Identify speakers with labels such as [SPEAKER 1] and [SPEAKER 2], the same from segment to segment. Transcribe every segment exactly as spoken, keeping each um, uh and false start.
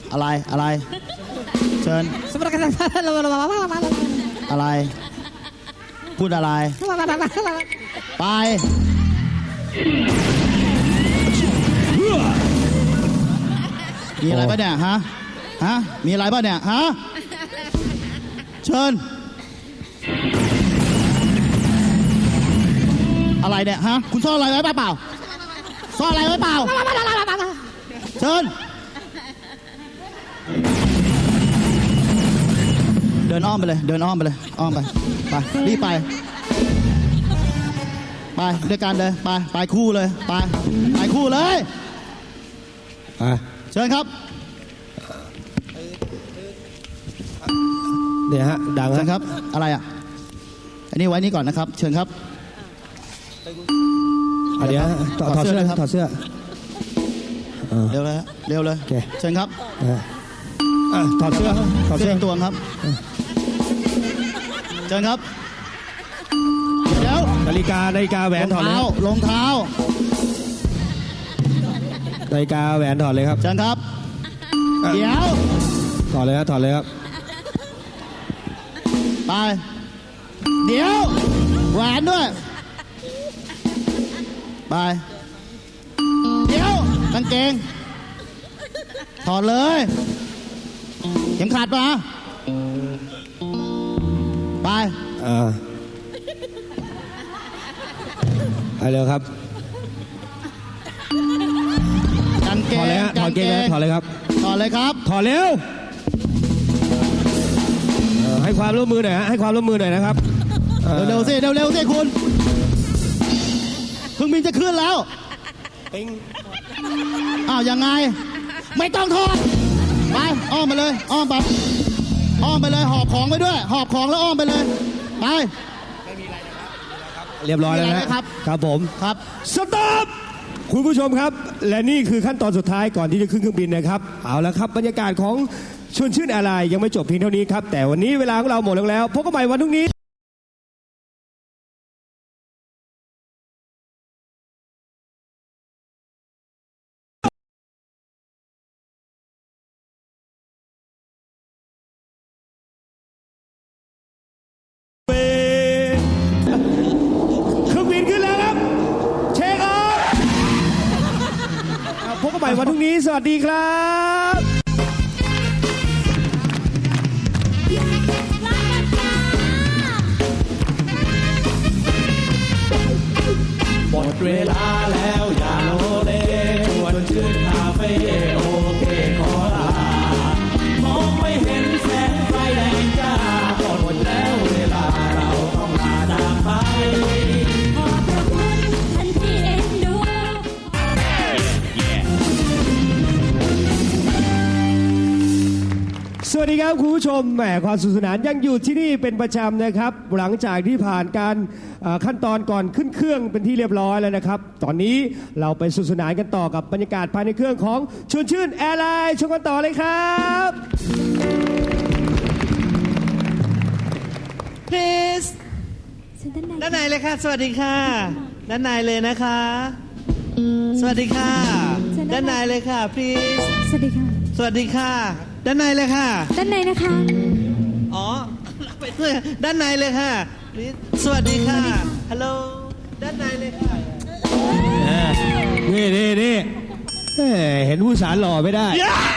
[SPEAKER 1] อะไรอะไรเชิญอะไรพูดอะไรไปมีอะไรป่ะเนี่ยฮะฮะมีอะไรป่ะเนี่ยฮะเชิญอะไรเนี่ยฮะคุณซ่อนอะไรไว้เปล่าซ่อนอะไรไว้เปล่าเชิญเดินอ้อมไปเลยเดินอ้อมไปเลยอ้อมไปไปรีบไปไปด้วยกันเลยไปไปคู่เลยไปไปคู่เลยเชิญครับ
[SPEAKER 2] เนี่ยฮะดัง
[SPEAKER 1] เชิญครับอะไรอ่ะอันนี้ไว้นี่ก่อนนะครับเชิญครับ
[SPEAKER 2] เดี๋ยวถอดเสื้อถอดเสื้อ
[SPEAKER 1] เร็วเลยเร็วเลยเชิญครับ
[SPEAKER 2] ถอดเสื้อถอดเสื้อ
[SPEAKER 1] ตัวครับเชิญครับเดี๋ยว
[SPEAKER 2] นาฬิกานาฬิกาแหวนถอดเลย
[SPEAKER 1] รองเท้า
[SPEAKER 2] นาฬิกาแหวนถอดเลยครับ
[SPEAKER 1] เชิญครับเดี๋ยว
[SPEAKER 2] ถอดเลยครับถอดเลยครับ
[SPEAKER 1] ไปเดี๋ยวแหวนด้วยไปเดี๋ยวกางเกงถอดเลยเข็มขัดปะไป
[SPEAKER 2] อ่าไปเร็วครับ
[SPEAKER 1] กางเกง
[SPEAKER 2] ถอดเลยฮะถอดเกงถอดเลยครับ
[SPEAKER 1] ถอดเลยครับ
[SPEAKER 2] ถอดเร็วให้ความร่วมมือหน่อยฮะให้ความร่วมมือหน่อยนะครับ
[SPEAKER 1] เร็วๆสิเร็วๆสิคุณเครื่องบินจะขึ้นแล้วอ้าวยังไงไม่ต้องถอดไปอ้อมไปเลยอ้อมไปอ้อมไปเลยหอบของไปด้วยหอบของแล้วอ้อมไปเลยไป
[SPEAKER 2] เรียบร้อยแล้วนะครับครับผม
[SPEAKER 1] ครับ
[SPEAKER 2] สต็อปคุณผู้ชมครับและนี่คือขั้นตอนสุดท้ายก่อนที่จะขึ้นเครื่องบินนะครับเอาละครับบรรยากาศของชวนชื่นอะไรยังไม่จบเพียงเท่านี้ครับแต่วันนี้เวลาของเราหมดลงแล้วพบกันใหม่วันพรุ่งนี้เครื่องบินขึ้นแล้วครับเช็คออฟพบกันใหม่วันพรุ่งนี้สวัสดีครับ
[SPEAKER 3] หมดเวลาแล้วอย่าโลเลชวนชื่นคาเฟ่โอเคขอลามองไม่เห็นแสงไฟแดงจ้าหมดแล้วเวลาเราต้องลาจากไปขอบพระคุณท่านที่เอ็นดู
[SPEAKER 2] สวัสดีครับคุณผู้ชมแหมความสนุกสนานยังอยู่ที่นี่เป็นประจำนะครับหลังจากที่ผ่านการขั้นตอนก่อนขึ้นเครื่องเป็นที่เรียบร้อยแล้วนะครับตอนนี้เราไปสนุกสนานกันต่อกับบรรยากาศภายในเครื่องของชวนชื่นแอร์ไลน์ชมกันต่อเลยครับ
[SPEAKER 4] Please ด้านในเลยค่ะสวัสดีค่ะด้านในเลยนะคะสวัสดีค่ะด้านในเลยค่ะ Please
[SPEAKER 5] สวัสดีค่ะ
[SPEAKER 4] สวัสดีค่ะด้านในเลยค่ะ
[SPEAKER 5] ด้านในนะคะ
[SPEAKER 4] อ๋อไปด้วยด้านในเลยค่ะสวัสดีค่ะฮัลโหลด้านในเลยค่ะ
[SPEAKER 2] นี่นี่นี่เห็นผู้สารหล่อไม่ได้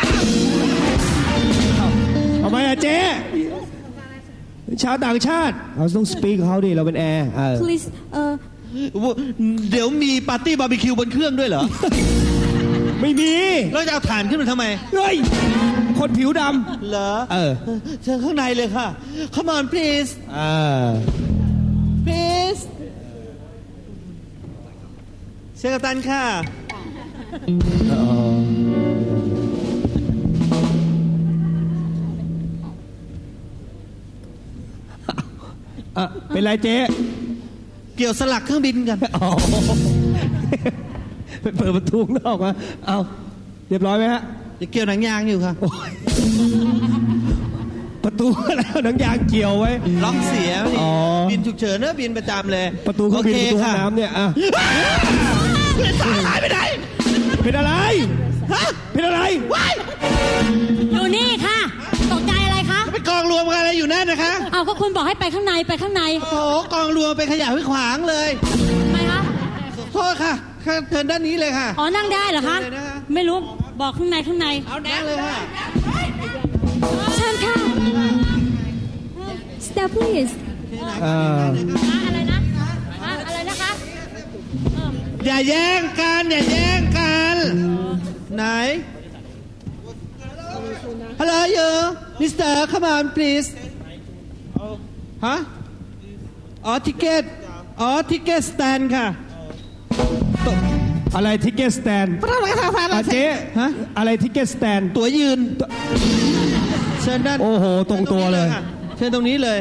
[SPEAKER 2] ทำไมอะเจ๊ชาวต่างชาติเราต้องสปีกเขาดิเราเป็นแอร์
[SPEAKER 5] please เออ
[SPEAKER 4] เดี๋ยวมีปาร์ตี้บาร์บีคิวบนเครื่องด้วยเหรอ
[SPEAKER 2] ไม่มี
[SPEAKER 4] แล้วจะเอาถ่านขึ้นมาทำไม
[SPEAKER 2] เฮ้ยคนผิวดำ
[SPEAKER 4] เหรอ
[SPEAKER 2] เออ
[SPEAKER 4] เชิญข้างในเลยค่ะ Come on please
[SPEAKER 2] อ่า
[SPEAKER 4] please เชิญกัปตันค่ะ
[SPEAKER 2] อ่ะเป็นไรเจ๊
[SPEAKER 4] เกี่ยวสลักเครื่องบินกัน
[SPEAKER 2] เปิดประตูนอกมาเอาเรียบร้อยไหมฮะ
[SPEAKER 4] จะเกี่ยวหนังยางอยู่ค่ะ
[SPEAKER 2] ประตูแล้วหนังยางเกี่ยวไว้
[SPEAKER 4] ล็อกเสียบินฉุกเฉินเนอะบินประจำเลย
[SPEAKER 2] ประตูเครื่องบินประตูน้ำเนี่ยอ่ะ
[SPEAKER 4] ตายไปไหน
[SPEAKER 2] เป็นอะไรเป็นอะไร
[SPEAKER 5] อยู่นี่ค่ะ ตกใจอะไรคะ
[SPEAKER 4] ไปกองรวมกันอะไรอยู่นั่นนะคะ
[SPEAKER 5] เอาก็คุณบอกให้ไปข้างในไปข้างใน
[SPEAKER 4] โอ้โหกองรวมไปขยะไว้ขวางเลย
[SPEAKER 5] ทำไมคะ
[SPEAKER 4] โทษค่ะเชิญด้านนี้เลยค่ะ
[SPEAKER 5] อ๋อ นั่งได้เหรอคะ
[SPEAKER 4] เลยนะคะ
[SPEAKER 5] ไม่รู้ บอกข้างในข้างใน
[SPEAKER 4] เอาแน่เลยค่ะ
[SPEAKER 5] เชิญค่ะ
[SPEAKER 6] Step please
[SPEAKER 2] เออ
[SPEAKER 5] อะไรนะอ่ะอะไรนะคะ
[SPEAKER 4] อย่าแย่งกันอย่าแย่งกัน ไหน Hello you Mister come on please ฮะอ๋อทิเกตอ๋อทิเกตสแตนค่ะ
[SPEAKER 2] อะไรทิกเก็ตสแตนเจ๊
[SPEAKER 4] ฮะ
[SPEAKER 2] อะไรทิกเก็ตสแตน
[SPEAKER 4] ตั๋วยืน เชิญด้าน
[SPEAKER 2] โอ้โหตรงตัวเลย
[SPEAKER 4] เชิญตรงนี้เลย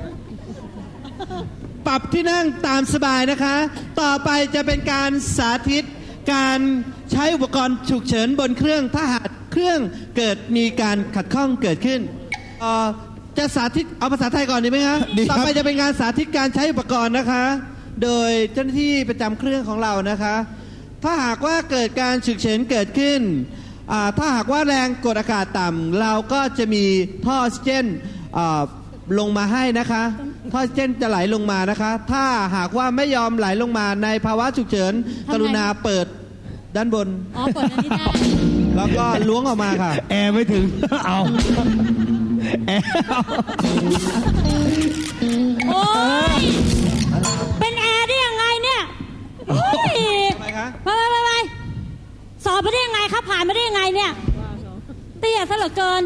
[SPEAKER 4] ปรับที่นั่งตามสบายนะคะ ต่อไปจะเป็นการสาธิตการใช้อุปกรณ์ฉุกเฉินบนเครื่องถ้าหากเครื่องเกิดมีการขัดข้องเกิดขึ้นเอ่อจะสาธิตเอาภาษาไทยก่อนดีไหมคะ
[SPEAKER 1] ดีครับ
[SPEAKER 4] ต่อไปจะเป็นการสาธิตการใช้อุปกรณ์นะคะ โดยเจ้าหน้าที่ประจำเครื่องของเรานะคะ ถ้าหากว่าเกิดการฉุกเฉินเกิดขึ้นอ่าถ้าหากว่าแรงกดอากาศต่ำเราก็จะมีท่อออกซิเจนอ่าลงมาให้นะคะท่อออกซิเจนจะไหลลงมานะคะ ถ้าหากว่าไม่ยอมไหลลงมาในภาวะฉุกเฉิน
[SPEAKER 5] ทำไง
[SPEAKER 4] กรุณาเปิดด้านบน
[SPEAKER 5] อ๋อเปิดอันนี้ได้
[SPEAKER 4] แล้วก็ล้วงออกมาค่ะ
[SPEAKER 2] แอร์ไม่ถึง เอาแอร์เอา
[SPEAKER 5] โอ้ย เป็นแอร์ได้ยังไงเนี่ยโอ้ย
[SPEAKER 4] ทำไมคะ
[SPEAKER 5] ไปไปไปไปสอบไปได้ยังไงครับ ผ่านมาได้ยังไงเนี่ย เตี้ยซะเหลือเกิน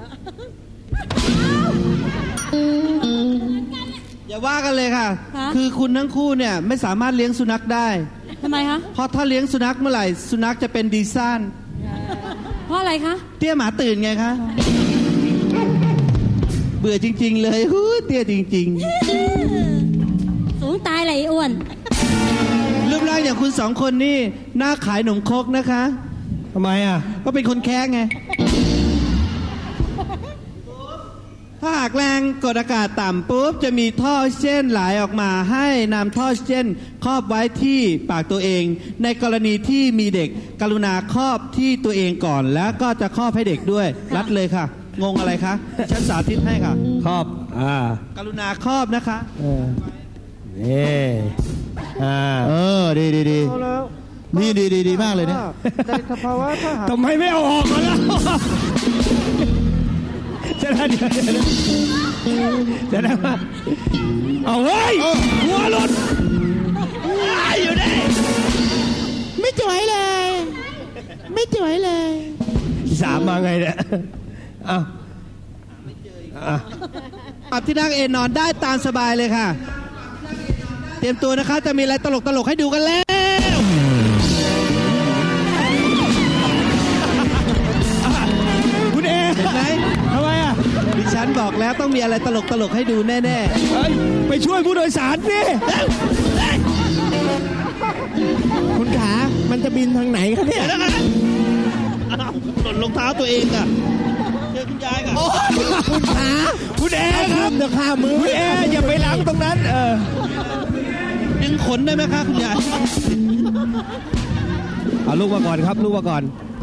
[SPEAKER 4] อย่าว่ากันเลยค่ะ
[SPEAKER 5] ฮะ
[SPEAKER 4] คือคุณทั้งคู่เนี่ยไม่สามารถเลี้ยงสุนัขได้
[SPEAKER 5] ทำไมคะ
[SPEAKER 4] เพราะถ้าเลี้ยงสุนัขเมื่อไหร่สุนัขจะเป็นดีซ่าน
[SPEAKER 5] เพราะอะไรคะ
[SPEAKER 4] เตี้ยหมาตื่นไงคะ เบื่อจริง ๆ เลยฮู้เตี้ยจริง
[SPEAKER 5] สูงตายเลยไอ้อ้วน
[SPEAKER 4] ๆ รูปร่างอย่างคุณสองคนนี่หน้าขายหนมครกนะคะ
[SPEAKER 2] ทำไมอ่ะ
[SPEAKER 4] ก็เป็นคนแค้งไง ถ้าหากแรงกดอากาศต่ำปุ๊บจะมีท่อออกซิเจนไหลออกมาให้นำท่อออกซิเจนครอบไว้ที่ปากตัวเอง ในกรณีที่มีเด็กกรุณาครอบที่ตัวเองก่อน แล้วก็จะครอบให้เด็กด้วย รัดเลยค่ะ งงอะไรคะ ฉันสาธิตให้ค่ะ
[SPEAKER 2] ครอบ อ่า
[SPEAKER 4] กรุณาครอบนะคะ
[SPEAKER 2] เออนี่อ่า
[SPEAKER 1] เออ ดีดีดีนี่ดีดีดีมากเลยเนี่ย
[SPEAKER 4] ในสภาวะถ้าหาก
[SPEAKER 2] ทำไมไม่เอาออกมาแล้วจะได้เดี๋ยวเดี๋ยวจะได้มาเอาเฮ้ยหัวหลุดอยู่ได้
[SPEAKER 1] ไม่จ่อยเลย ไม่จ่อยเลย
[SPEAKER 2] สามมาไงเนี่ยอ้าวอ่ะ
[SPEAKER 4] ปรับที่นั่งเอนนอนได้ตามสบายเลยค่ะ เตรียมตัวนะคะ จะมีอะไรตลกตลกๆให้ดูกันแล้ว
[SPEAKER 2] คุณเอ
[SPEAKER 4] เห็นไหม
[SPEAKER 2] ทำไมอ่ะ
[SPEAKER 4] ดิฉันบอกแล้วต้องมีอะไรตลกตลกๆให้ดูแน่
[SPEAKER 2] เฮ้ยไปช่วยผู้โดยสารสิ
[SPEAKER 1] คุณขา มันจะบินทางไหนคะเนี่ย
[SPEAKER 4] ๆนะคะอ้าวหล่นรองเท้าตัวเองอ่ะเจอคุณยายก่อน
[SPEAKER 1] คุณขา
[SPEAKER 2] คุณเอครับ
[SPEAKER 1] เดี๋ยวข้ามือ
[SPEAKER 2] คุณเออย่าไปล้างตรงนั้น เออ
[SPEAKER 4] ดึงขนได้ไหมคะคุณยาย
[SPEAKER 2] เอาลูกมาก่อนครับ ลูกมาก่อน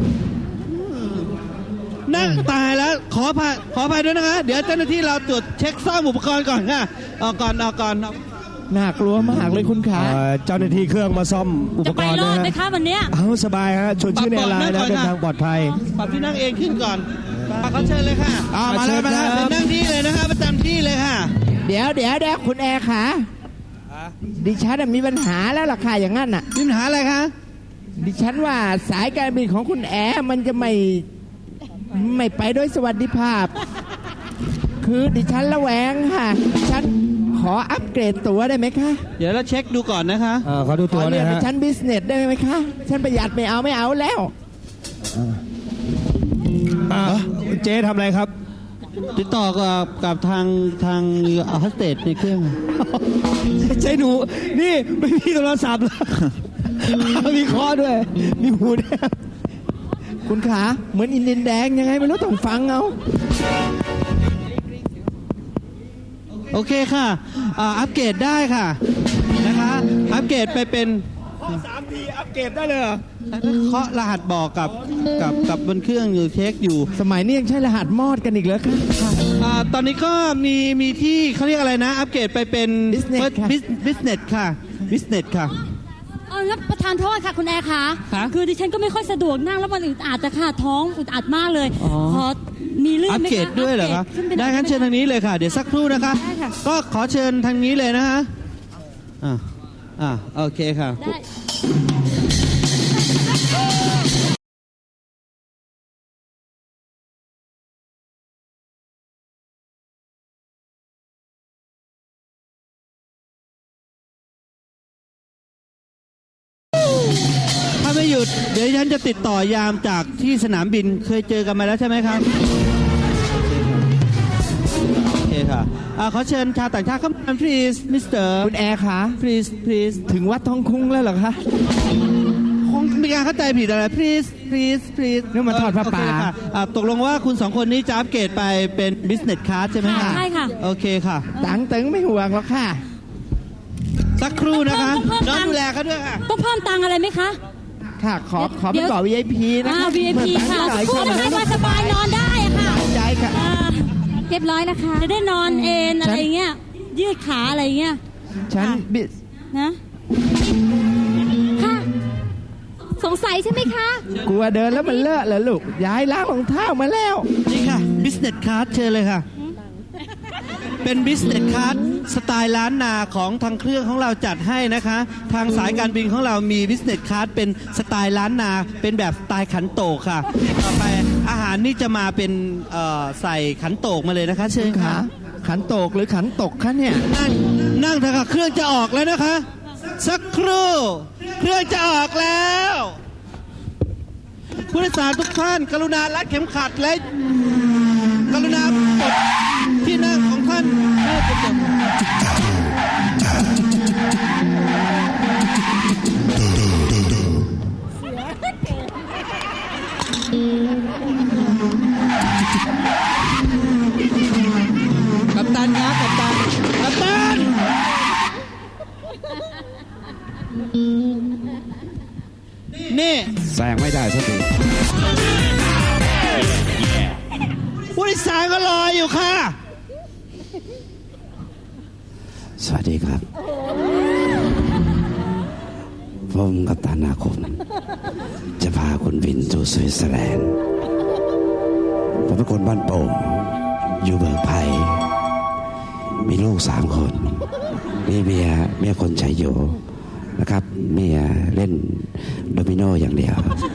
[SPEAKER 4] นั่งตายแล้วขออภัยขออภัยด้วยนะคะ เดี๋ยวเจ้าหน้าที่เราตรวจเช็คซ่อมอุปกรณ์ก่อนค่ะเอาก่อนเอาก่อนเอา
[SPEAKER 1] น่ากลัวมากเลยคุณขา
[SPEAKER 2] เอ่อเจ้าหน้าที่เครื่องมาซ่อมอุป
[SPEAKER 5] จะ
[SPEAKER 2] ก
[SPEAKER 5] ไป
[SPEAKER 2] รณ์
[SPEAKER 5] รอ
[SPEAKER 2] นะ
[SPEAKER 5] ดไหม
[SPEAKER 2] ฮะ
[SPEAKER 5] คะวันเนี้ย
[SPEAKER 2] เอาสบายฮะชวนชื่อในไลน์นะเดินทางปลอดภัย
[SPEAKER 4] ปรับที่นั่งเองขึ้นก่อนปรับเขาเชิญเลยค่ะ
[SPEAKER 1] อ่ามาแล้วมาแล้ว
[SPEAKER 2] ครับ
[SPEAKER 4] นั่งที่เลยนะคะประจำที่เลยค่ะ
[SPEAKER 7] เดี๋ยวเดี๋ยวเดี๋ยวคุณแอร์ขาดิฉันน่ะมีปัญหาแล้วล่ะค่ะอย่างนั้นน่ะ
[SPEAKER 4] มีปัญหาอะไรคะ
[SPEAKER 7] ดิฉันว่าสายการบินของคุณแอร์มันจะไม่ไม่ไปด้วยสวัสดิภาพ คือดิฉันระแวงค่ะดิฉันขออัปเกรดตั๋วได้ไหมคะ
[SPEAKER 4] เดี๋ยวเราเช็คดูก่อนนะคะ
[SPEAKER 2] เออเขาดู
[SPEAKER 7] ข
[SPEAKER 2] ตั
[SPEAKER 7] อ
[SPEAKER 2] วห
[SPEAKER 7] เรี
[SPEAKER 2] น่
[SPEAKER 7] ย
[SPEAKER 2] อน ย
[SPEAKER 7] ดิ
[SPEAKER 2] ฮะ
[SPEAKER 7] ฉันบิสเนสได้ไหมคะฉันประหยัดไม่เอาไม่เอาแล้ว
[SPEAKER 2] อ่ะเจ๊ทำอะไรครับ
[SPEAKER 4] ติดต่อกับกับทางทางโฮสเตสในเครื่อง
[SPEAKER 2] เจ๊หนู นี่ไม่มีโทรศัพท์แล้วมีคอด้วย มีหูด้วย
[SPEAKER 7] คุณขาเหมือนอินเดียนแดงยังไงไม่รู้ต้องฟังเอา
[SPEAKER 4] โอเคค่ะอ่าอัปเกรดได้ค่ะนะคะ อัปเกรดไปเป็น
[SPEAKER 2] พีอัปเกรดได้เลยเหรอ
[SPEAKER 4] เคาะรหัสบอกกับกับกับบนเครื่องอยู่เช็คอยู่
[SPEAKER 7] สมัยนี้ยังใช้รหัสมอดกันอีกแล้วค่ะ
[SPEAKER 4] อ่าตอนนี้ก็มีมีที่เขาเรียกอะไรนะ อัปเกรดไปเป็น
[SPEAKER 7] Business ค่ะ
[SPEAKER 4] บิสเนสค่ะบิสเนสค่ะ
[SPEAKER 5] เอาแล้วประธานโทษค่ะคุณแอร์คะ
[SPEAKER 4] ฮะ
[SPEAKER 5] คือดิฉันก็ไม่ค่อยสะดวกนั่งแล้วมันอึดอัดจะค่ะท้องอึดอัดมากเลย
[SPEAKER 4] อ๋อ
[SPEAKER 5] ขอมีเลื่อน
[SPEAKER 4] อัป
[SPEAKER 5] ไหมคะ
[SPEAKER 4] เกรดด้วยเหรอคะ
[SPEAKER 5] ปขึ้นปหน่
[SPEAKER 4] ได้
[SPEAKER 5] อย
[SPEAKER 4] งั้นเชิญทางนี้เลยค่ะ เดี๋ยวสักครู่นะคะ
[SPEAKER 5] ได้ค่ะ
[SPEAKER 4] ก็ขอเชิญทางนี้เลยนะฮะอ่าอ่าโอเคค่ะ
[SPEAKER 5] ได้
[SPEAKER 4] ถ้าไม่หยุดเดี๋ยวฉันจะติดต่อยามจากที่สนามบินเคยเจอกันมาแล้วใช่ไหมครับโอเคค่ะอ่าขอเชิญชาวต่างชาติเข้ามา please มิสเตอร์
[SPEAKER 7] คุณแอร์คะ
[SPEAKER 4] please please
[SPEAKER 7] ถึงวัดทองคุ้งแล้วเหรอคะ
[SPEAKER 4] คงมีการเข้าใจผิดอะไร please please please
[SPEAKER 7] นี่มาทอดผ้าป่า
[SPEAKER 4] โเคค่ะอ่าตกลงว่าคุณสองคนนี้จะอัปเกรดไปเป็น business class ใช่ไหม
[SPEAKER 5] ค่ะ
[SPEAKER 4] คะ
[SPEAKER 5] ใช่ค่ะ
[SPEAKER 4] โอเคค่ะ
[SPEAKER 7] ตังตึงไม่ห่วงหรอกค่ะ
[SPEAKER 4] สักครู่นะคะ
[SPEAKER 5] ต้องเพิ่ม
[SPEAKER 4] น้อง
[SPEAKER 5] ตังค์
[SPEAKER 4] ดูแลเขาด้วยค่ะ
[SPEAKER 5] ต้องเพิ่มตังค์อะไรไหมคะ
[SPEAKER 7] ค่ะ ขอขอ
[SPEAKER 5] เดี๋
[SPEAKER 7] เป็น
[SPEAKER 5] ยว
[SPEAKER 7] เกาะ วี ไอ พี นะ
[SPEAKER 5] อ่า
[SPEAKER 7] คะ
[SPEAKER 5] วี ไอ พี ค่ะ
[SPEAKER 7] หน่อย
[SPEAKER 5] พูด
[SPEAKER 7] ค่ะ
[SPEAKER 5] ให้ว่าสบายนอนได้อะค่ะ
[SPEAKER 7] ใจค่ะ
[SPEAKER 5] อ่าเรียบร้อยนะคะ จะได้นอนเอนอะไรเงี้ย ยืดขาอะไรเงี้ย
[SPEAKER 7] ฉันบิ
[SPEAKER 5] นะ ค่ะ สงสัยใช่ไหมคะ
[SPEAKER 7] กลัวเดินแล้วมันเลอะเหรอลูก ย้ายล้างรองเท้ามาแล้ว
[SPEAKER 4] นี่ค่ะ business class เชิญเลยค่ะ เป็น business class สไตล์ล้านนาของทางเครื่องของเราจัดให้นะคะ ทางสายการบินของเรามี business class เป็นสไตล์ล้านนา เป็นแบบสไตล์ขันโตกค่ะ ต่อไปอาหารนี่จะมาเป็นเอ่อใส่ขันโตกมาเลยนะคะ เชิญ
[SPEAKER 7] ขา
[SPEAKER 4] ค่ะ
[SPEAKER 7] ขันโตกหรือขันตกคะเนี่ย
[SPEAKER 4] นั่งนั่งเถอะค่ะเครื่องจะออกแล้วนะคะ สักครู่ เครื่องจะออกแล้วผู้โดยสารทุกท่าน กรุณารัดเข็มขัดและกรุณาปลดที่นั่งของท่านให้เป็นจบกัปตันครับกัปตันกัปตัน นี่
[SPEAKER 6] แซงไม่ได้สักที
[SPEAKER 4] ผู้โดยสารก็รออยู่ค่ะ
[SPEAKER 6] สวัสดีครับ ผมกัปตันอาคม จะพาคุณบินสู่สวิตเซอร์แลนด์ ผมเป็นคนบ้านโป่ง อยู่เบิกไผ่มีลูกสามคน มีเมียเมียคนใช้อยู่นะครับ เมียเล่นโดมิโนอย่างเดียว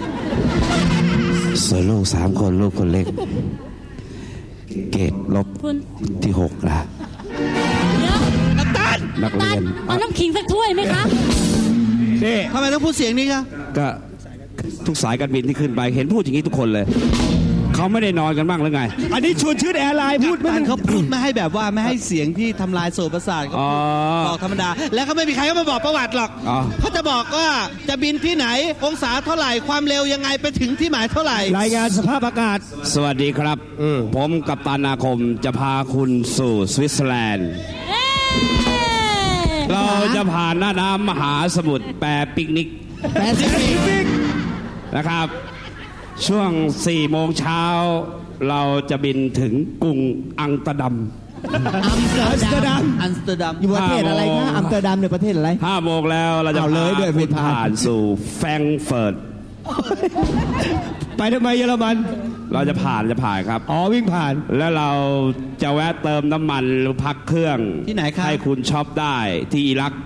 [SPEAKER 6] ส่วนลูกสามคนลูกคนเล็ก เกรดลบ
[SPEAKER 5] คุณ
[SPEAKER 6] ที่หกนะ
[SPEAKER 5] เดี๋ยว
[SPEAKER 4] กัปตัน
[SPEAKER 6] นักเรียน
[SPEAKER 5] เอาน้ำขิงสักถ้วยไหมคะ
[SPEAKER 2] นี่
[SPEAKER 4] ทำไมต้องพูดเสียงนี้คะ
[SPEAKER 6] ก็ทุกสายการบินที่ขึ้นไปเห็นพูดอย่างนี้ทุกคนเลย เขาไม่ได้นอนกันบ้างหรือไง
[SPEAKER 2] อันนี้ชวนชื่อแอร์ไลน์พูดไม่
[SPEAKER 4] กัปตั
[SPEAKER 2] ได้
[SPEAKER 4] นเขาพูดไม่ให้แบบว่าไม่ให้เสียงที่ทำลายโสตประสาทเขา
[SPEAKER 6] อ๋อ
[SPEAKER 4] บอกธรรมดา แล้วก็ไม่มีใครก็มาบอกประวัติหรอก
[SPEAKER 6] อ๋อ
[SPEAKER 4] เขาจะบอกว่าจะบินที่ไหนองศาเท่าไหร่ความเร็วยังไงไปถึงที่หมายเท่าไหร่
[SPEAKER 2] รายงานสภาพอากาศ
[SPEAKER 6] สวัสดีครับ ผมกัปตันอาคมจะพาคุณสู่สวิตเซอร์แลนด์
[SPEAKER 5] เอ้ย
[SPEAKER 6] เราจะผ่านหน้าน้ำมหาสมุทรแปรปิกนิก
[SPEAKER 7] แปซิฟิก
[SPEAKER 6] นะครับ ช่วงสี่โมงเช้าเราจะบินถึงกรุงอัมสเตอร์ดัม
[SPEAKER 7] อัมสเตอร์ดัม
[SPEAKER 4] อัมสเตอร์ดัม
[SPEAKER 7] อยู่ประเทศอะไรคะ อัมสเตอร์ดัมเนี่ยประเทศอะไร
[SPEAKER 6] ห้าโมงแล้วเราจะ
[SPEAKER 7] เอาเลย
[SPEAKER 6] พา
[SPEAKER 7] ด้วย
[SPEAKER 6] คุณ
[SPEAKER 7] ไม่ผ่าน
[SPEAKER 6] ผ่านสู่แฟรงก์เฟิร์ต
[SPEAKER 2] ไปทำไมเยอรมัน
[SPEAKER 6] เราจะผ่านจะผ่านครับ
[SPEAKER 2] อ๋อวิ่งผ่าน
[SPEAKER 6] แล้วเราจะแวะเติมน้ำมันหรือพักเครื่อง
[SPEAKER 4] ที่ไหนครับ
[SPEAKER 6] ให้คุณช็อปได้ที่อิรัก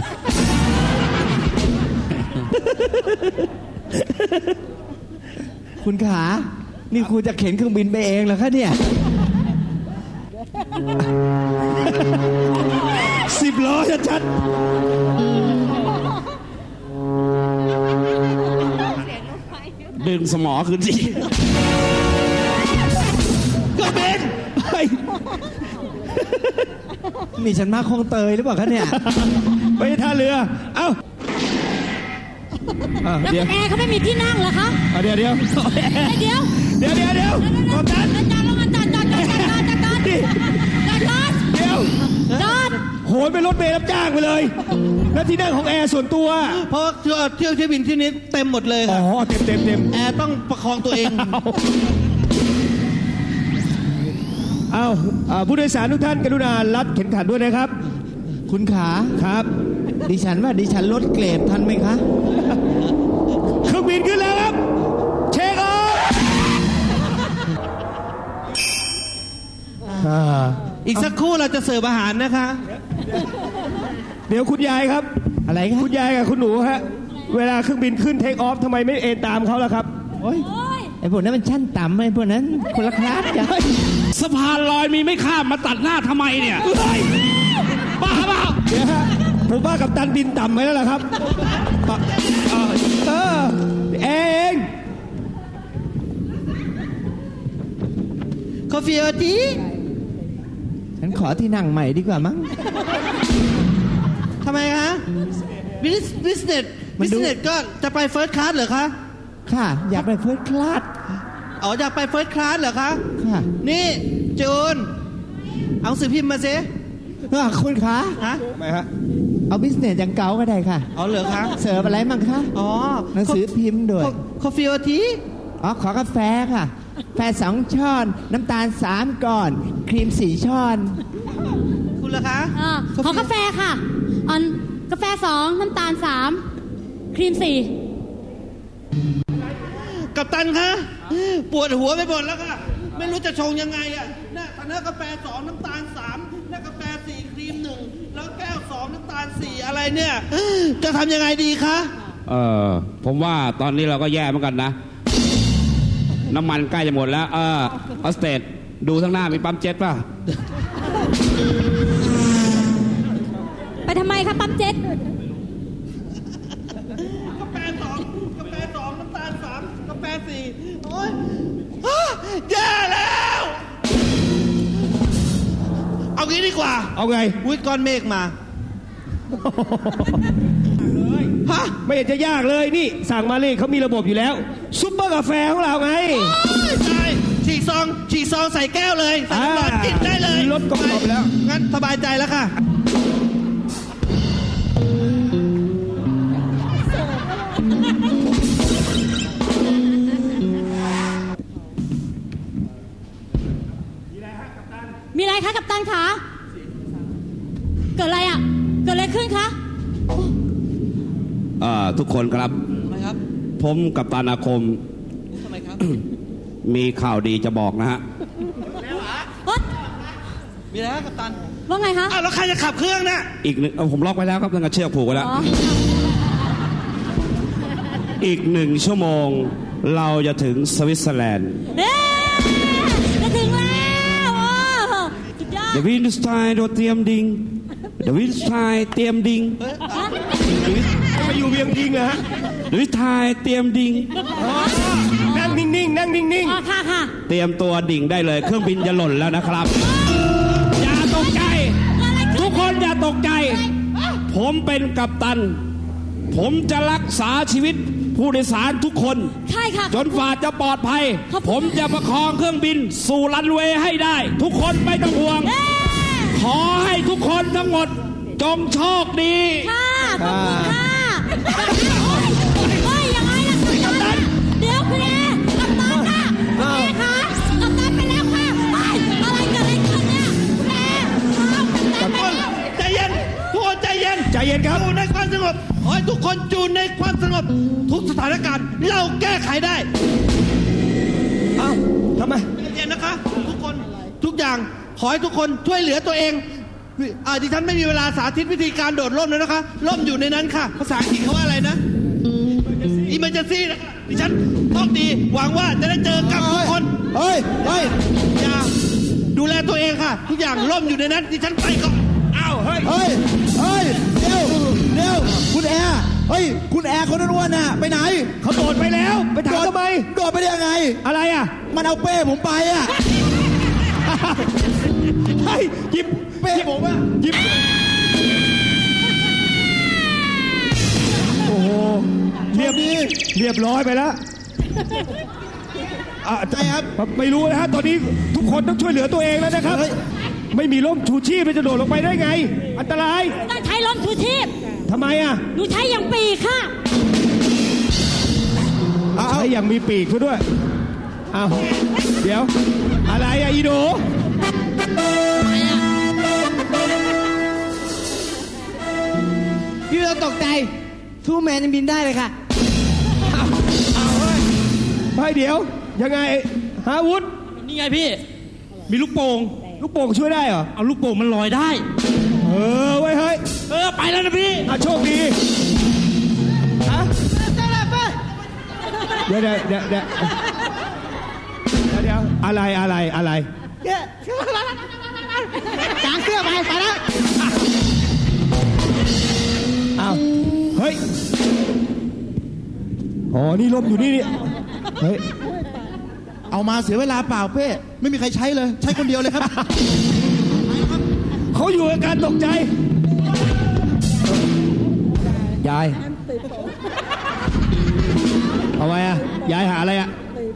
[SPEAKER 7] คุณขา นี่คุณจะเข็นเครื่องบินไปเองเหรอคะเนี่ย
[SPEAKER 2] สิบล้อชัด
[SPEAKER 6] ดึงสมอขึ้นสิ
[SPEAKER 2] ก็เป็นเฮ้ย
[SPEAKER 7] นี่ฉันมาคลองเตยหรือเปล่าคะเนี่ย
[SPEAKER 2] ไปท่าเรือ เอ้าอ่ะ
[SPEAKER 5] แล้ว
[SPEAKER 2] เดี๋ยว
[SPEAKER 5] คุณแอร์เขาไม่มีที่นั่งเหรอคะ
[SPEAKER 2] อ่ะเดี๋ยวเดี๋ยว
[SPEAKER 5] เดี๋ยว
[SPEAKER 2] เดี๋ยวเดี๋ยวเดี๋ยวกบตัน
[SPEAKER 5] จอดลงมาจอดจอดจอดจอดจอดจอดจอดจอดจอด
[SPEAKER 2] เดี๋ยว
[SPEAKER 5] จอด
[SPEAKER 2] หนเป็นรถเมล์รับจ้างไปเลย แล้วที่นั่งของแอร์ส่วนตัว
[SPEAKER 4] เพราะว่าเที่ยวเที่ยวเที่ยวบินที่นี้เต็มหมดเลย
[SPEAKER 2] อ๋อ
[SPEAKER 4] ค่ะ
[SPEAKER 2] เต็มเต็มเต็ม
[SPEAKER 4] แอร์ต้องประคองตัวเอง
[SPEAKER 2] เอาเอาผู้โดยสารทุกท่านกรุณารัดเข็มขัดด้วยนะครับ
[SPEAKER 7] คุณขา
[SPEAKER 2] ครับ
[SPEAKER 7] ดิฉันว่าดิฉันลดเกรดทันไหมคะ
[SPEAKER 2] เครื่องบินขึ้นแล้วครับ เช็คออฟอ่า
[SPEAKER 4] อีกสักครู่เราจะเสิร์ฟอาหารนะคะ
[SPEAKER 2] เดี๋ยวคุณยายครับ
[SPEAKER 7] อะไรคะ
[SPEAKER 2] คุณยายกับคุณหนูฮะ เวลาเครื่องบินขึ้นเทคออฟทำไมไม่เอนตามเขาล่ะครับ
[SPEAKER 7] โอ้ย
[SPEAKER 5] โอ้ย
[SPEAKER 7] ไอ้พวกนั้นมันชั้นต่ำไอ้พวกนั้นคนละคลาสกัน
[SPEAKER 3] สะพานลอยมีไม่ข้ามมาตัดหน้าทำไมเนี่ยบ้าเปล่า
[SPEAKER 2] เดี๋ยวฮะผมว่ากับตันบินต่ำไปแล้วล่ะครับปะเออเออเอง
[SPEAKER 4] คอฟฟี่เอาที
[SPEAKER 7] ฉันขอที่นั่งใหม่ดีกว่ามั้ง
[SPEAKER 4] ทำไมคะบิสบิสเนส
[SPEAKER 7] มั
[SPEAKER 4] บิ
[SPEAKER 7] น
[SPEAKER 4] ส
[SPEAKER 7] ดู
[SPEAKER 4] เนสก็จะไปเฟิร์สคลาสเหรอคะ
[SPEAKER 7] ค่ะ อยากไปเฟิร์สคลาส
[SPEAKER 4] อ๋ออยากไปเฟิร์สคลาสเหรอคะ
[SPEAKER 7] ค่ะ
[SPEAKER 4] นี่จูน เอาหนังสือพิมพ์มาสิ
[SPEAKER 7] เออคุณขา
[SPEAKER 4] ฮะ
[SPEAKER 2] ทำไมฮะ
[SPEAKER 7] เอาบิสเนสอย่างเก่าก็ได้ค่ะ
[SPEAKER 4] เอาเหรอคะ
[SPEAKER 7] เสิร์ฟอะไรมั่งคะ
[SPEAKER 4] อ๋อ
[SPEAKER 7] หนังสือพิมพ์ด้วย
[SPEAKER 4] คอฟฟี่เอาที
[SPEAKER 7] อ๋อ ขอกาแฟค่ะ แฟสองช้อน น้ำตาลสามก้อน ครีมสี่ช้อน
[SPEAKER 4] คุณล่ะคะ
[SPEAKER 5] อ่าขอกาแฟค่ะเอันกาแฟสองน้ำตาลสามครีมสี่
[SPEAKER 4] กัปตันคะปวดหัวไปหมดแล้วค่ะ ไม่รู้จะชงยังไงอ่ะน่ะตอนนี้กาแฟสองน้ำตาลสามน่ะกาแฟสี่ครีมหนึ่งแล้วแก้วสองน้ำตาลสี่อะไรเนี่ย จะทำยังไงดีคะ
[SPEAKER 3] เออผมว่าตอนนี้เราก็แย่เหมือนกันนะ น้ำมันใกล้จะหมดแล้ว เออออสเตดดูข้างหน้ามีปั๊มเจ็ตป่ะ
[SPEAKER 5] ไปทำไมคะปั๊มเจ็ต
[SPEAKER 4] กาแฟสองกาแฟสองน้ำตาลสามกาแฟสี่โอ๊ยอ้าแย่แล้ว เอางี้ดีกว่า
[SPEAKER 2] เอาไง
[SPEAKER 4] วิก้อนเมฆมา ฮะ
[SPEAKER 2] ไม่เห็นจะยากเลยนี่ สั่งมาเลยเขามีระบบอยู่แล้ว ซุปเปอร์กาแฟของเราไง
[SPEAKER 4] ใช่ฉีกซองฉีกซองใส่แก้วเลย ใส่น้ำร้อน
[SPEAKER 2] อ่า
[SPEAKER 4] กินได้เลย
[SPEAKER 2] ลดกรอบไปแล้ว
[SPEAKER 4] งั้นสบายใจแล้วค่ะ
[SPEAKER 5] มีอะไรคะกัปตันคะเกิดอะไรอ่ะ เกิดอะไรขึ้นคะ
[SPEAKER 3] เอ่อทุกคนครับ
[SPEAKER 4] ทำไมครับ
[SPEAKER 3] ผมกับตานาคม
[SPEAKER 4] ทำไมครับ
[SPEAKER 3] มีข่าวดีจะบอกนะฮะ
[SPEAKER 5] เอ้ย
[SPEAKER 4] มีอะไรครับกัปตัน
[SPEAKER 5] ว่าไงคะ
[SPEAKER 4] อ้าวแล้วใครจะขับเครื่องน่ะ
[SPEAKER 3] อีกหนึ่งเอ่อผมล็อกไว้แล้วครับตั้งแต่เชือกผูกไว้แล้ว
[SPEAKER 5] อ๋อ
[SPEAKER 3] อีกหนึ่งชั่วโมง เราจะถึงสวิตเซอร์แลนด์
[SPEAKER 5] เอ๊ะจะถึงแล้วโอ้สุดยอด
[SPEAKER 3] เดวินสไตน์โดเตรียมดิงเดวินสไตน์เตรียมดิง
[SPEAKER 2] ไปอยู่เวียงพิงเหรอฮะ
[SPEAKER 3] เดวินสไตน์เตรียมดิง
[SPEAKER 2] นั่งนิ่งๆ นั่งนิ่ง
[SPEAKER 5] อ๋อค่ะค่ะ
[SPEAKER 3] เตรียมตัวดิ่งได้เลย เครื่องบินจะหล่นแล้วนะครับ อย่าตกใจ ทุกคนอย่าตกใจ ผมเป็นกัปตัน ผมจะรักษาชีวิตผู้โดยสารทุกคน
[SPEAKER 5] ใช่ค่ะ
[SPEAKER 3] จนฝ่าจะปลอดภัย
[SPEAKER 5] ขอบคุณ
[SPEAKER 3] ผมจะประคองเครื่องบินสู่รันเวย์ให้ได้ ทุกคนไม่ต้องห่วง
[SPEAKER 5] เอ๊ะ
[SPEAKER 3] ขอให้ทุกคนทั้งหมด จงโชคดี
[SPEAKER 5] ค่ะขอบคุณค่ะเฮ้ยยังไงล่ะกัปตันเดี๋ยวคุณแอร์กัปตันค่ะคุณแอร์คะกัปตันไปแล้วค่ะเฮ้ยอะไรเกิดอะไรขึ้นเนี่ยคุณแอร์อ้าวกัปตันไปแล้ว
[SPEAKER 4] ใจเย็น ทุกคนใจเย็น
[SPEAKER 2] ๆ ใจเย็นครับ
[SPEAKER 4] อยู่ในความสงบขอให้ทุกคนอยู่ในความสงบ ทุกสถานการณ์ เราแก้ไขได้
[SPEAKER 2] เอ้าทำไม
[SPEAKER 4] ใจเย็นนะคะ ทุกคน ทุกอย่าง ขอให้ทุกคนช่วยเหลือตัวเองอ่าดิฉันไม่มีเวลาสาธิตวิธีการโดดร่มแล้วนะคะ ร่มอยู่ในนั้นค่ะ ภาษาอังกฤษเขาว่าอะไรนะ emergency นะคะดิฉันโชคดี หวังว่าจะได้เจอกับทุกคน
[SPEAKER 1] เฮ้ย เฮ้ย
[SPEAKER 4] อย่าดูแลตัวเองค่ะ ทุกอย่างร่มอยู่ในนั้น ดิฉันไปก่อน
[SPEAKER 2] อ้าวเฮ้ย
[SPEAKER 1] เฮ้ย เฮ้ย เดี๋ยว เดี๋ยว คุณแอร์ เฮ้ย คุณแอร์คนนั้นอ้วนน่ะ ไปไหน
[SPEAKER 2] เขาโดดไปแล้ว ไปถามทำไม
[SPEAKER 1] โดดไปได้ยังไง
[SPEAKER 2] อะไรอ่ะ
[SPEAKER 1] มันเอาเป้ผมไปอ่ะ
[SPEAKER 2] เฮ้ยหยิบ
[SPEAKER 1] เป้ผมอ่ะ
[SPEAKER 2] หยิบ โอ้โห เรียบเรียบร้อยไปแล้วอ่ะ
[SPEAKER 1] ใช่ครับ
[SPEAKER 2] ไม่รู้นะฮะ ตอนนี้ทุกคนต้องช่วยเหลือตัวเองแล้วนะครับ
[SPEAKER 1] เฮ้ย
[SPEAKER 2] ไม่มีร่มชูชีพจะโดดลงไปได้ไง อันตราย
[SPEAKER 5] ต้องใช้ลมชูชีพ
[SPEAKER 2] ทำไมอ่ะ
[SPEAKER 5] หนูใช้อย่างปีกค่ะ
[SPEAKER 2] ใช้อย่างมีปีกซะด้วยอ้าวเดี๋ยว อะไรอ่ะอีโด
[SPEAKER 8] พี่เราตกใจทูแมนยังบินได้เลยค่ะ
[SPEAKER 2] เฮ้ยเดี๋ยว ยังไงฮาวุธ
[SPEAKER 3] นี่ไงพี่ มีลูกโป่ง
[SPEAKER 2] ลูกโป่งช่วยได้เหรอ
[SPEAKER 3] เอาลูกโป่งมันลอยได้
[SPEAKER 2] เออไว้ยเฮ้ย
[SPEAKER 3] เออ ไปแล้วนะพี่
[SPEAKER 2] อ่ะโชคดีฮะเดี๋ยวเดี๋ยวเดี๋ยวเดี๋ยวเดี๋ยวเดี๋ยวอะไรอะไรอะไร
[SPEAKER 8] กางเสื้อไปไปแล้ว
[SPEAKER 2] อ้าวเฮ้ยอ๋อนี่ลมอยู่นี่นี่เฮ้ย
[SPEAKER 1] เอามาเสียเวลาเปล่าเป้ไม่มีใครใช้เลย ใช้คนเดียวเลยครับ
[SPEAKER 2] เขาอยู่อาการตกใจ ยายเอาไว้อะยายหาอะไรอะ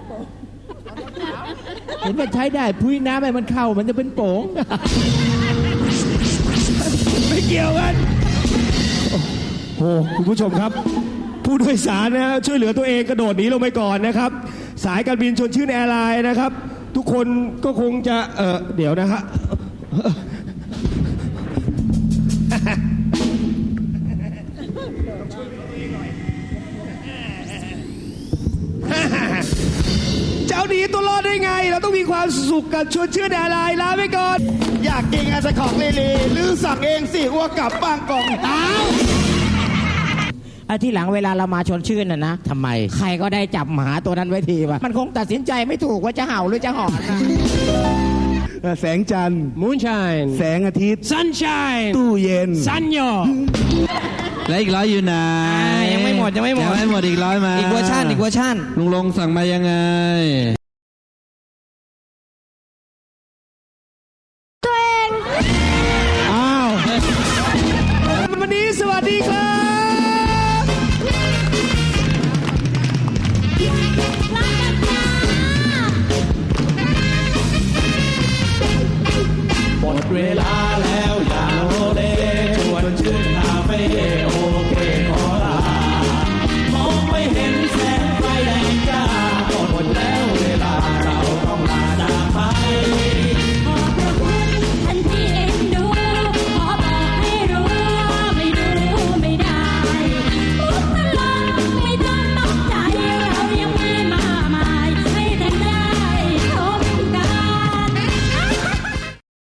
[SPEAKER 7] เห็นมันใช้ได้พุ้ยน้ำให้มันเข้ามันจะเป็นโป๋ง
[SPEAKER 2] ไม่เกี่ยวกันโอ้โหคุณผู้ชมครับ ผู้โดยสารนะฮะช่วยเหลือตัวเองกระโดดหนีลงไปก่อนนะครับ สายการบินชวนชื่นแอร์ไลน์นะครับ ทุกคนก็คงจะเออเดี๋ยวนะฮะ เจ้าหนีตัวรอดได้ไง เราต้องมีความสุขกับชวนชื่นแอร์ไลน์ลาไปก่อน
[SPEAKER 1] อยากกินอาจจะของเลเลหรือสั่งเองสิอ้วกกลับบ้างกล่องอ้าว
[SPEAKER 7] ไอ้ที่หลังเวลาเรามาชวนชื่นน่ะนะทำไม ใครก็ได้จับหมาตัวนั้นไว้ทีวะมันคงตัดสินใจไม่ถูกว่าจะเห่าหรือจะหอนนะ
[SPEAKER 6] แสงจันทร์
[SPEAKER 2] Moonshine
[SPEAKER 6] แสงอาทิตย์
[SPEAKER 2] Sunshine
[SPEAKER 6] ตู้เย็น
[SPEAKER 2] ซันโย
[SPEAKER 4] และอีกร้อยอยู่ไหน
[SPEAKER 8] ยังไม่หมดยังไม่หมด
[SPEAKER 4] ยังไม่หมดอีกร้อยมา
[SPEAKER 8] อีกเวอร์ชันอีกเวอร์ชัน
[SPEAKER 4] ลุงลงสั่งมายังไง
[SPEAKER 2] อ้าววันนี้สวัสดีครับ
[SPEAKER 3] หมดเวลาแล้ว